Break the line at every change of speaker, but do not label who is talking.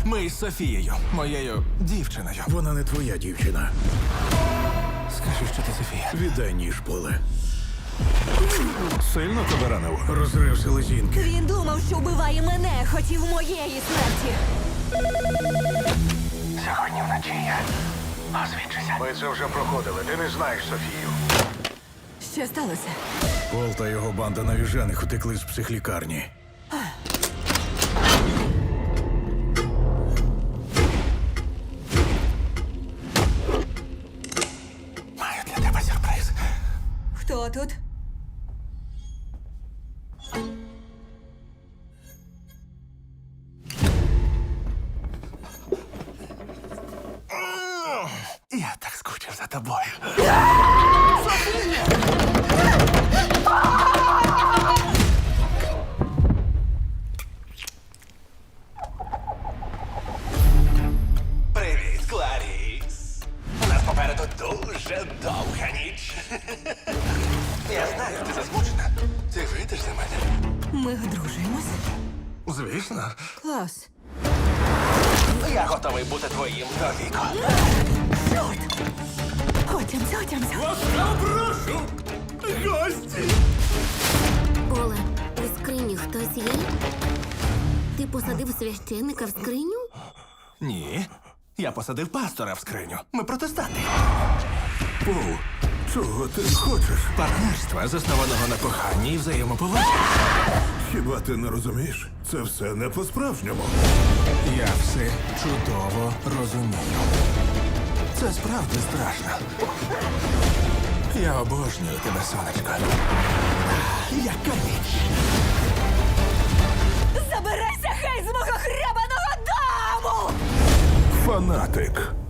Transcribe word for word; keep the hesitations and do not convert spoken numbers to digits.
Ми із Софією, моєю дівчиною.
Вона не твоя дівчина.
Скажи, що ти Софія.
Віддай ніж, Поле.
Сильно тебе ранив?
Розрив селезінки.
Він думав, що вбиває мене, хотів моєї смерті.
Сьогодні вночі я озвідчуся.
Ми це вже проходили. Ти не знаєш Софію.
Що сталося?
Пол та його банда навіжених утекли з психлікарні.
Маю для тебе сюрприз.
Хто тут?
Я так скучив за тобою. Привіт, Кларіс. У нас попереду дуже довга ніч. Я знаю, ти засмучена. Ти вийдеш за мене?
Ми одружуємось?
Звісно.
Клас.
Я готовий бути твоїм до віку.
Чорт! Отямся, отямся.
Ласкаво прошу! Гості!
Поле, у скрині хтось є? Ти посадив священника в скриню?
Ні. Я посадив пастора в скриню. Ми протестанти.
Пол, чого ти хочеш?
Партнерства, заснованого на коханні і взаємоповазі.
Хіба ти не розумієш? Це все не по-справжньому.
Я все чудово розумію. Це справді страшно. Я обожнюю тебе, сонечко. Яка ніч!
Забирайся, хай, з мого хребаного дому!
Фанатик.